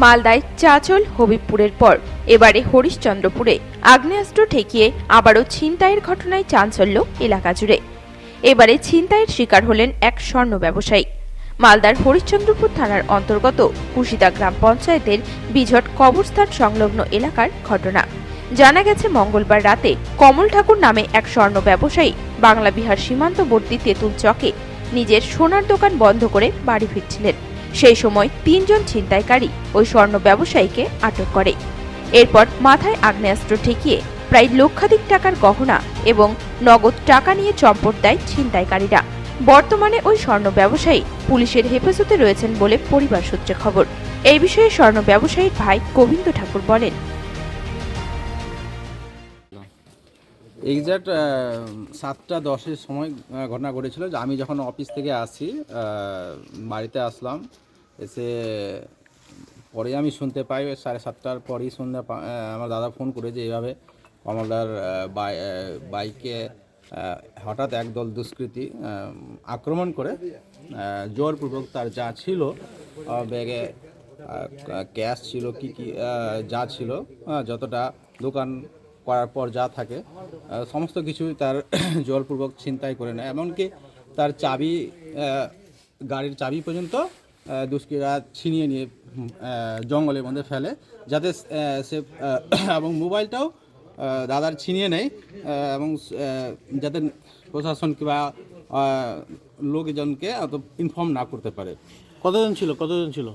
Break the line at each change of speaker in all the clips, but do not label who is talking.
মালদায় চাঁচল হবিবপুরের পর এবারে হরিশ্চন্দ্রপুরে আগ্নেয়াস্ত্র ঠেকিয়ে আবারও ছিনতাইয়ের ঘটনায় চাঞ্চল্য এলাকা জুড়ে। এবারে ছিনতাইয়ের শিকার হলেন এক স্বর্ণ ব্যবসায়ী। মালদার হরিশ্চন্দ্রপুর থানার অন্তর্গত কুশিদা গ্রাম পঞ্চায়েতের বিঝট কবরস্থান সংলগ্ন এলাকার ঘটনা। জানা গেছে, মঙ্গলবার রাতে কমল ঠাকুর নামে এক স্বর্ণ ব্যবসায়ী বাংলা বিহার সীমান্তবর্তী তেঁতুল চকে নিজের সোনার দোকান বন্ধ করে বাড়ি ফিরছিলেন। সেই সময় ৩ জন ছিনতাইকারী ওই স্বর্ণ ব্যবসায়ীকে আটক করে। এরপর মাথায় আগ্নেয়াস্ত্র ঠেকিয়ে প্রায় লক্ষাধিক টাকার গহনা এবং নগদ টাকা নিয়ে চম্পট দেয় ছিনতাইকারীরা। বর্তমানে ওই স্বর্ণ ব্যবসায়ী পুলিশের হেফাজতে রয়েছেন বলে পরিবার সূত্রে খবর। এই বিষয়ে স্বর্ণ ব্যবসায়ীর ভাই গোবিন্দ ঠাকুর বলেন,
এক্স্যাক্ট 7:10 সময় ঘটনা ঘটেছিল যে আমি যখন অফিস থেকে আসি, বাড়িতে আসলাম, এসে পরে আমি শুনতে পাই 7:30টার পরেই আমার দাদা ফোন করে যে এইভাবে কমলদার বাইকে হঠাৎ একদল দুষ্কৃতী আক্রমণ করে জোরপূর্বক তার যা ছিল, ব্যাগে ক্যাশ ছিল, কি যা ছিল, যতটা দোকান করার পর যা থাকে সমস্ত কিছু তার জোরপূর্বক ছিনতাই করে নেয়। এমনকি তার চাবি, গাড়ির চাবি পর্যন্ত দুষ্কৃতীরা ছিনিয়ে নিয়ে জঙ্গলের মধ্যে ফেলে, যাতে সে এবং মোবাইলটাও দাদার ছিনিয়ে নেয় এবং যাতে প্রশাসন কিংবা লোকজনকে অত ইনফর্ম না করতে পারে।
কতজন ছিল?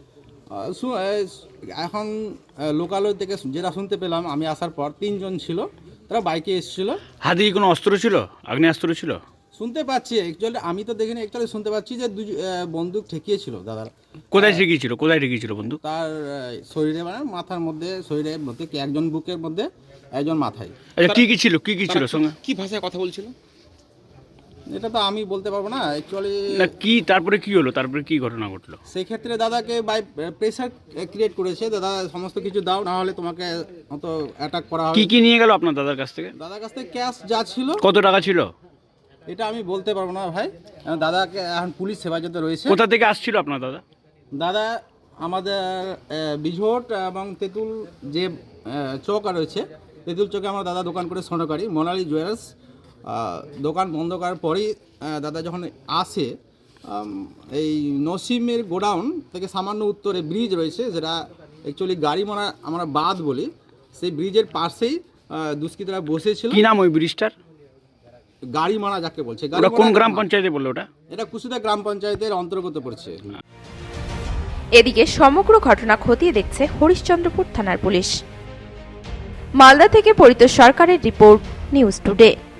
এখন লোকালয় থেকে যেটা শুনতে পেলাম আমি আসার পর 3 জন ছিল, তারা বাইকে এসেছিল।
হাতে কি কোনো অস্ত্র ছিল? আগ্নেয়াস্ত্র ছিল?
শুনতে পাচ্ছি, অ্যাকচুয়ালি আমি তো দেখিনি, অ্যাকচুয়ালি শুনতে পাচ্ছি যে বন্দুক ঠেকিয়েছিল দাদার।
কোথায় ঠেকিয়েছিল বন্দুক?
তার শরীরে, মানে মাথার মধ্যে, শরীরের মধ্যে, একজন বুকের মধ্যে, একজন মাথায়।
আচ্ছা, কি ছিল সঙ্গে?
কি ভাষায় কথা বলছিল
এটা তো আমি বলতে পারবো না অ্যাকচুয়ালি।
না, কি তারপরে কি হলো? তারপরে কি ঘটনা ঘটলো?
সেই ক্ষেত্রে দাদাকে বাই প্রেসার ক্রিয়েট করেছে, দাদা সমস্ত কিছু দাও, না হলে তোমাকে অত অ্যাটাক করা হবে।
কি নিয়ে গেল আপনার দাদার কাছ থেকে?
দাদার কাছ থেকে ক্যাশ যা ছিল।
কত টাকা ছিল?
এটা আমি বলতে পারবো না ভাই, দাদাকে এখন পুলিশ হেফাজতে রয়েছে।
কোথা থেকে আসছিল আপনার দাদা?
দাদা আমাদের বিঝট এবং তেঁতুল যে চক রয়েছে, তেঁতুল চকে আমার দাদা দোকান করে স্বর্ণকারী মোনালি জুয়েলার্স। দোকান বন্ধ করার পরেই দাদা যখন আসে, এই নসিমের গোডাউন থেকে সামান্য উত্তরে ব্রিজ রয়েছে, যেটা অ্যাকচুয়ালি গাড়িমারা আমরা বাঁধ বলি, সেই ব্রিজের পাশেই দুষ্কৃতীরা বসেছিল।
কি নাম ওই ব্রিজটার?
গাড়িমারা যাকে বলছে।
কোন গ্রাম পঞ্চায়েতে বললো ওটা?
এটা কুশিদা গ্রাম পঞ্চায়েতের অন্তর্গত পড়ছে।
এদিকে সমগ্র ঘটনা খতিয়ে দেখছে হরিশ্চন্দ্রপুর থানার পুলিশ। মালদা থেকে পরিতোষ সরকারের রিপোর্ট, নিউজ টুডে।